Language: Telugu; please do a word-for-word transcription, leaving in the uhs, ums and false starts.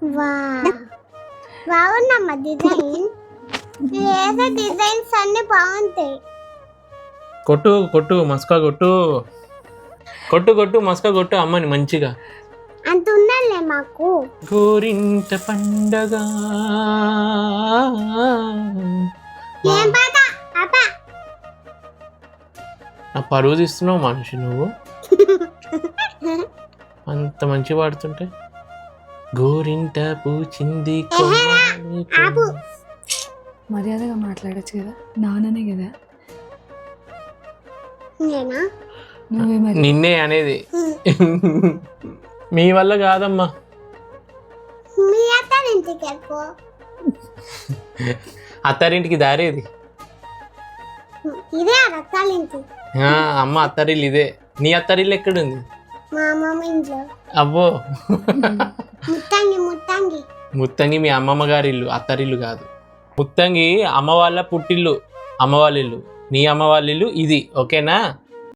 బాగుందమ్మా డిజైన్. వేసే డిజైన్స్ అన్ని బాగుంటాయి. కొట్టు కొట్టు మస్కా కొట్టు కొట్టు కొట్టు మస్కా కొట్టు అమ్మని మంచిగా. అంత ఉండాలే మాకు. గోరింట పండగ ఏం పాట పాప? నా పరువు తీస్తున్నావు మనిషి నువ్వు. అంత మంచి పాడుతుంటే. గోరింట పూచింది ఆపు. మర్యాదగా మాట్లాడచ్చు కదా, నాన్ననే కదా. నేనా? నువ్వే మరి. నిన్నే అనేది. మీ వల్ల కాదమ్మా. మీ అత్తారింటికి వెళ్ళిపో. అత్తారింటికి దారేది ఇదే అత్తారింటి. అమ్మ అత్తారిల్లు ఇదే. నీ అత్తారిల్లు ఎక్కడుంది? మా అమ్మమ్మ ఇంట్లో. అబ్బో. ముత్తంగి ముత్తంగి ముత్తంగి మీ అమ్మమ్మ గారి ఇల్లు, అత్తారిల్లు కాదు. ముత్తంగి అమ్మ వాళ్ళ పుట్టిల్లు, అమ్మ వాళ్ళ ఇల్లు. నీ అమ్మ వాళ్ళ ఇల్లు ఇది, ఓకేనా?